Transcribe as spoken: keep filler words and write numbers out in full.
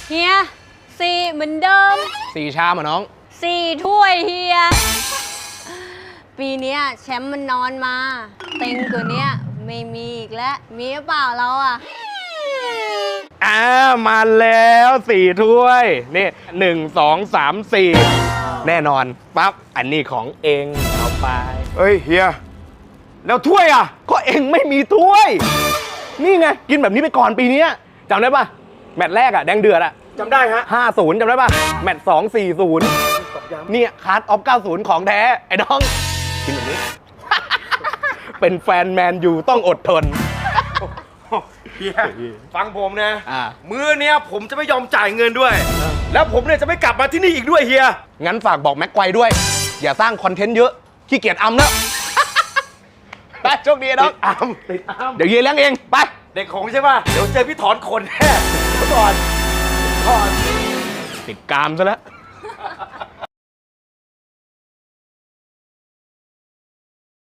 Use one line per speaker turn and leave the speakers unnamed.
เฮียสี่เหมือนเดิม
สี่ชามอ่ะน้อง
สี่ถ้วยเฮียปีนี้แชมป์มันนอนมาเต็งตัวเนี้ยไม่มีอีกแล้วมีหรือเปล่าเราอ่ะ
อ่ามาแล้วสี่ถ้วยนี่หนึ่งสองสามสี่แน่นอนปั๊บอันนี้ของเองเอาไป
เฮ้ยเฮียแล้วถ้วยอ่ะ
ก็เองไม่มีถ้วยนี่ไงกินแบบนี้ไปก่อนปีนี้จำได้ปะแมตช์แรกอะแดงเดือดอะ
จำได้ฮะ
ห้าศูนย์จำได้ปะแมตช์สองสี่ศูนย์เนี่ยคาร์ดออฟเก้าศูนย์ของแท้ไอ้น้องกินแบบนี้ เป็นแฟนแมนยูต้องอดทน
เฮียฟังผมนะ
อ่า
มื้อเนี้ยผมจะไม่ยอมจ่ายเงินด้วยแล้วผมเนี่ยจะไม่กลับมาที่นี่อีกด้วยเฮีย
งั้นฝากบอกแม็กไกวด้วยอย่าสร้างคอนเทนต์เยอะขี้เกียจอัมแล้วไปโชคดีน้อง
อัมติดอัม
เดี๋ยวเยียเลี้ยงเองไป
เด็กของใช่ป่ะเดี๋ยวเจอพี่ถอนขนแน่เดี๋ยวก่อนถอน
ติดกามซะแล้ว